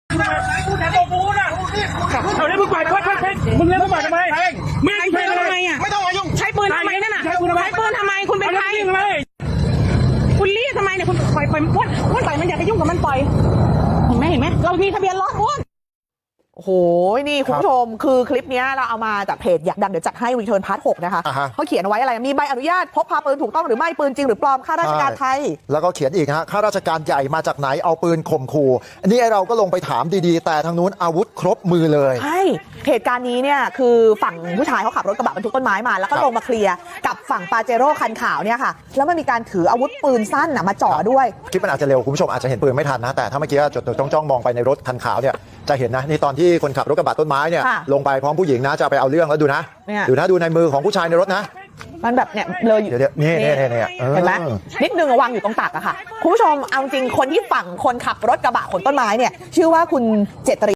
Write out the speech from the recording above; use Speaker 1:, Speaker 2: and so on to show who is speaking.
Speaker 1: กูแทงตัวกูนะเอาเล่นมึงปล่อยมึงเล่นมึงปล่อยทำไมมึงใช้ปืนทำไมอ่ะไม่ต้องมายุ่งใช้ปืนทำไมนั่นน่ะใช้ปืนทำไมคุณเป็นใครคุณรีดทำไมเนี่ยคุณปล่อยมันปล่อยมันอย่าไปยุ่งกับมันปล่อยเห็นไหมเรามีทะเบียนรถอ้วน
Speaker 2: โอ้โหนี่คุณผู้ชมคือคลิปนี้เราเอามาจากเพจอยากดังเดี๋ยวจัดให้รีเทิร์นพาร์ท 6นะคะเขาเขียนเอาไว้อะไรมีใบอนุญาตพกพาปืนถูกต้องหรือไม่ปืนจริงหรือปลอมข้าราชการไทย
Speaker 3: แล้วก็เขียนอีกฮะข้าราชการใหญ่มาจากไหนเอาปืนข่มขู่อันนี้เราก็ลงไปถามดีๆแต่ทางนู้นอาวุธครบมือเลย
Speaker 2: ใช่เหตุการณ์นี้เนี่ยคือฝั่งผู้ชายเขาขับรถกระบะบรรทุกต้นไม้มาแล้วก็ลงมาเคลียร์กับฝั่งปาเจโร่คันขาวเนี่ยค่ะแล้วมันมีการถืออาวุธปืนสั้นมาจ่อด้วย
Speaker 3: คลิปมันอาจจะเร็วคุณผู้ชมอาจจะเห็นปืนไม่ทันนะแต่ถ้าเมื่อกี้จดจ้องมองไปในรถคันขาวเนี่ยจะเห็นนะนี่ตอนที่คนขับรถกระบะต้นไม้เนี่ยลงไปพร้อมผู้หญิงนะจะไปเอาเรื่องแล้วดูนะดูในมือของผู้ชายในรถนะ
Speaker 2: มันแบบเนี่ยเลยอยู่
Speaker 3: นี่
Speaker 2: เห็นไหมนิดนึงวางอยู่ตรงตักอะค่ะคุณผู้ชมเอาจริงคนที่ฝั่งคนขับรถกระบะขนต้นไม้เนี่ยชื่อว่าคุณเจตริ